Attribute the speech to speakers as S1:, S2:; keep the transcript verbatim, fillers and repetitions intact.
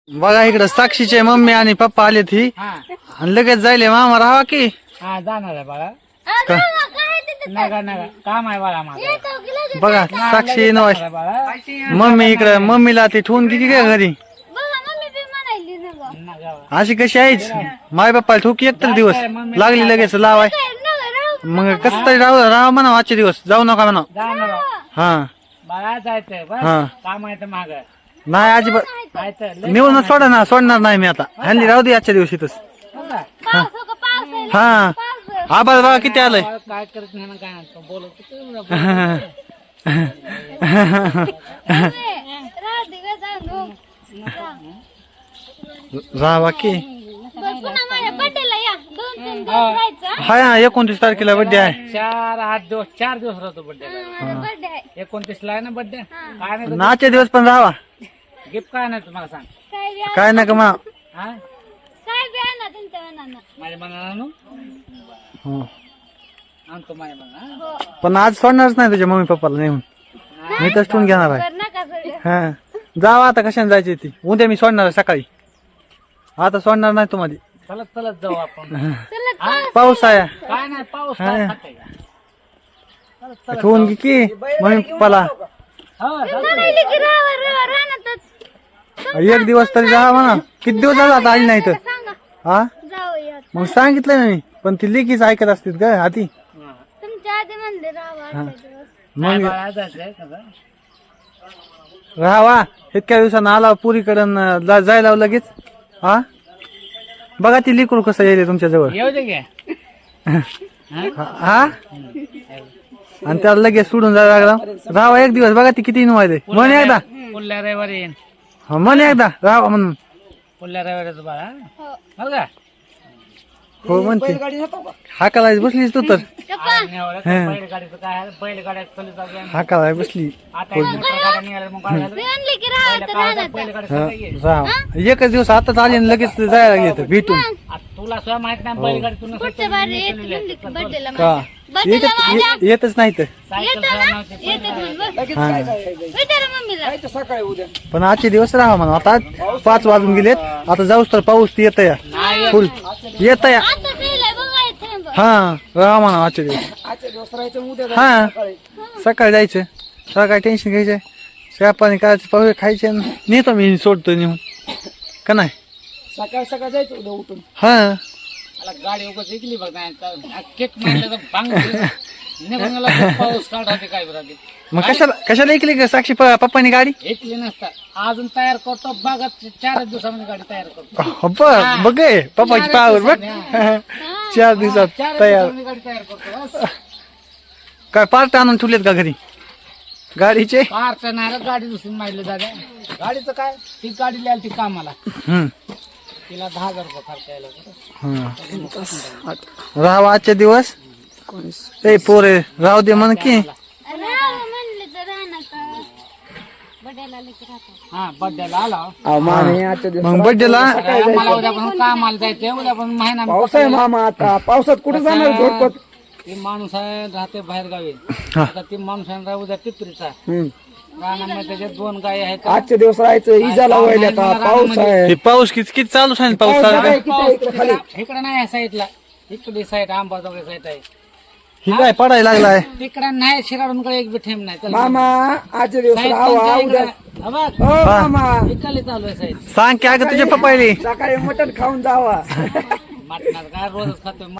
S1: बघा इकडं साक्षीचे मम्मी आणि पप्पा आले ती
S2: हा
S1: आणि लगेच जायले मामा राहा की
S2: हा जाणार आहे बाळा
S1: का?
S2: नका नका काम आहे बाळा माझं
S1: बघा साक्षी नवाज
S2: आहे बाळा
S1: मम्मी इकडं मम्मीला ती ठेवून किती काय घरी
S2: नका
S1: अशी कशी आहेच माय बाप्पा ठोकी एक तर दिवस लागली लगेच लावाय मग कसं तरी राहू राहा म्हणा आजचे दिवस जाऊ नका म्हणा
S2: जाणार आहे.
S1: हा
S2: बाळा जायचंय बस
S1: हा.
S2: काम आहे तर माग
S1: नाही अजिबात
S2: जायचं
S1: नेऊन सोडा ना सोडणार नाही मी आता हल्ली राहू दे आजच्या दिवशी तस हा आबाळ बघा किती आलंय
S2: काय करत नाही ना काय नाही बोलत
S1: राहा बाकी हा एकोणतीस तारखेला बड्डे आहे
S2: चार आठ दिवस चार दिवस राहतो बड्डे एकोणतीस ला आहे ना बड्डे काय नाही
S1: नाचे दिवस पण राहावा
S2: गिफ्ट काय नाही तुम्हाला सांग
S1: काय नका म्हणा
S2: हा माझ्या मनाला
S1: हं.
S2: आणतो माझ्या मनाला
S1: पण आज सोडणारच नाही तुझ्या मम्मी पप्पाला नेऊन मी तर ठेवून घेणार आहे हा जावा आता कशाने जायची ती उद्या मी सोडणार आहे सकाळी आता सोडणार नाही तुम्हाला
S2: चलत चलत जाऊ आपण
S1: पाऊस आहे
S2: काय नाही पाऊस काय खाते का? चलत चलत
S1: ठेवून घे की मम्मी पप्पाला
S2: हो
S1: एक दिवस तरी राहा म्हणा किती दिवस झाला आता आली नाही तर हा मग सांगितलं ना मी पण ती लेकीच ऐकत असतील का आधी मग राहावा इतक्या दिवसानं आला पुरीकडं जायला लगेच हा बघा ती लिकरू कसं येईल तुमच्या जवळ
S2: येऊ दे घ्या
S1: हा आणि त्याला लगेच सोडून जायला लागला राहावा एक दिवस बघा ती किती नुवायले म्हण एकदा
S2: पुढल्या रविवारी येईन
S1: हा म्हण एकदा राहावा म्हणून
S2: पुढल्या रविवारीच बाळा हो का
S1: हो म्हणते हाकाला बसलीस तू तर
S2: बैलगाडीचं काय आहे बैलगाड्या चलत जाऊ द्या.
S1: हाकाला बसली
S2: आता एक मोटर गाड्या निघाल्या मग काय झालं बैलगाडी सगळं येईल.
S1: राहा एकच दिवस आताच आले आणि लगेच जायला घेत भेटून
S2: आता तुला सुद्धा माहित नाही बैलगाडी तू नसेल
S1: का येतच ये- येतच नाही तर पण आजचे दिवस राहा म्हणा आता पाच वाजून गेलेत आता जाऊस तर पाऊस येत या फुल येत या हा राहा म्हणा आजचे दिवस हा सकाळी जायचं सकाळी टेन्शन घ्यायचं चहा पाणी करायचं पाहू खायचे नेतो मी सोडतो नेऊन का नाही
S2: सकाळ सकाळ जायचं उद्या उठून
S1: हा
S2: मला गाडी उगाच ऐकली बघ नाही केक मारलं तर बांग निघून गेला तर पाऊस काढते काय बरं
S1: मग कशाला कशाला ऐकली का साक्षी प- पप्पानी गाडी
S2: ऐकली नसता अजून तयार करतो बघत चारच दिवसामध्ये गाडी तयार करतो
S1: हो, बघ बघ हे, पप्पाची पावर बघ चार दिवसात
S2: चार
S1: तयार
S2: दिवसामध्ये गाडी तयार करतो बस.
S1: काय पार्ट आणून ठेवलेत का घरी गाडीचे
S2: कारचं नाही रे, गाडी दुसरी मारली दादा गाडीचं काय ती गाडी लिहायला ती कामाला
S1: हम्म
S2: तिला दहा हजार रुपये खर्च यायला होता.
S1: राहावा आजचे दिवस ए पोरे राहू दे म्हण की
S2: हा बड्डेला आला
S1: मग बड्डेला
S2: मला उद्यापासून कामाला जायचंय उद्यापासून महिना
S3: पावसाळ्या मामा आता पावसात कुठे जाणार झोडपत
S2: ती माणूस आहे राहते बाहेर गावी आता ती माणूस आहे ना उद्या पित्रीचा रानामध्ये त्याच्यात दोन गाय आहेत
S3: आजचे दिवस राहायचं इजा लावायला आता पाऊस आहे
S1: हे पाऊस किती किती चालू आहे पाऊस
S3: आहे किती इकडे खाली
S2: इकडे नाही आहे साईडला इकडे साईड आंबाजोगाई साईड आहे
S1: ही काय पडायला लागलाय
S2: तिकडे नाही शिराडूनकडे एक बी ठेम नाही चल
S3: मामा आजचे दिवस
S2: साईड
S3: राहावा
S2: तुमच्या
S3: उद्या
S2: इकडे- हा बघ,
S3: हो मामा
S2: इकडे चालू आहे साईड
S1: सांग की अगं तुझ्या पप्पायली
S3: सकाळी मटण खाऊन जावा
S2: मटणात काय रोजच खातोय